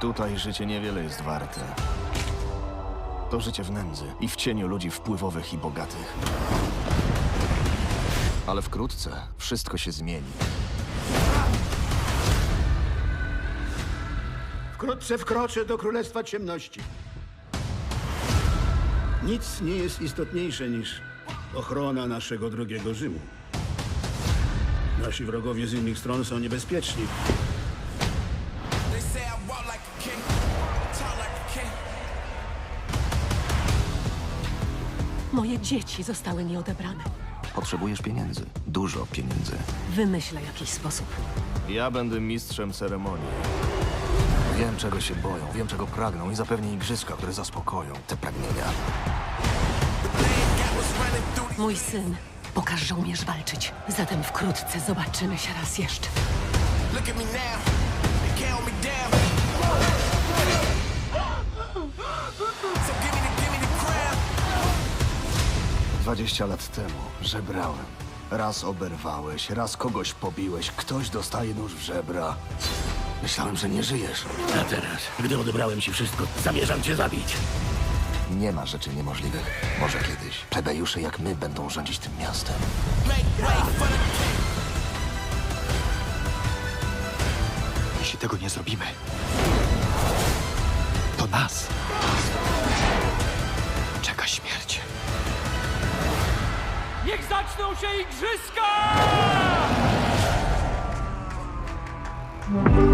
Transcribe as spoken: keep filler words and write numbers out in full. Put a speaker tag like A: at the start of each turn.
A: Tutaj życie niewiele jest warte. To życie w nędzy i w cieniu ludzi wpływowych i bogatych. Ale wkrótce wszystko się zmieni.
B: Wkrótce wkroczę do Królestwa Ciemności. Nic nie jest istotniejsze niż ochrona naszego drogiego Rzymu. Nasi wrogowie z innych stron są niebezpieczni.
C: They say I walk like a king, talk like a king.
D: Moje dzieci zostały mi odebrane.
A: Potrzebujesz pieniędzy. Dużo pieniędzy.
D: Wymyślę jakiś sposób.
A: Ja będę mistrzem ceremonii. Wiem, czego się boją, wiem, czego pragną i zapewnię igrzyska, które zaspokoją te pragnienia.
D: Mój syn pokaż, że umiesz walczyć. Zatem wkrótce zobaczymy się raz jeszcze.
C: Look at me now, they count me down. So give me the, give me the crown.
A: Dwadzieścia lat temu żebrałem. Raz oberwałeś, raz kogoś pobiłeś, ktoś dostaje nóż w żebra. Myślałem, że nie żyjesz.
E: A teraz, gdy odebrałem ci wszystko, zamierzam cię zabić.
A: Nie ma rzeczy niemożliwych. Może kiedyś plebejusze jak my będą rządzić tym miastem.
C: Make way for the king.
F: Jeśli tego nie zrobimy, to nas czeka śmierć.
G: Niech zaczną się igrzyska!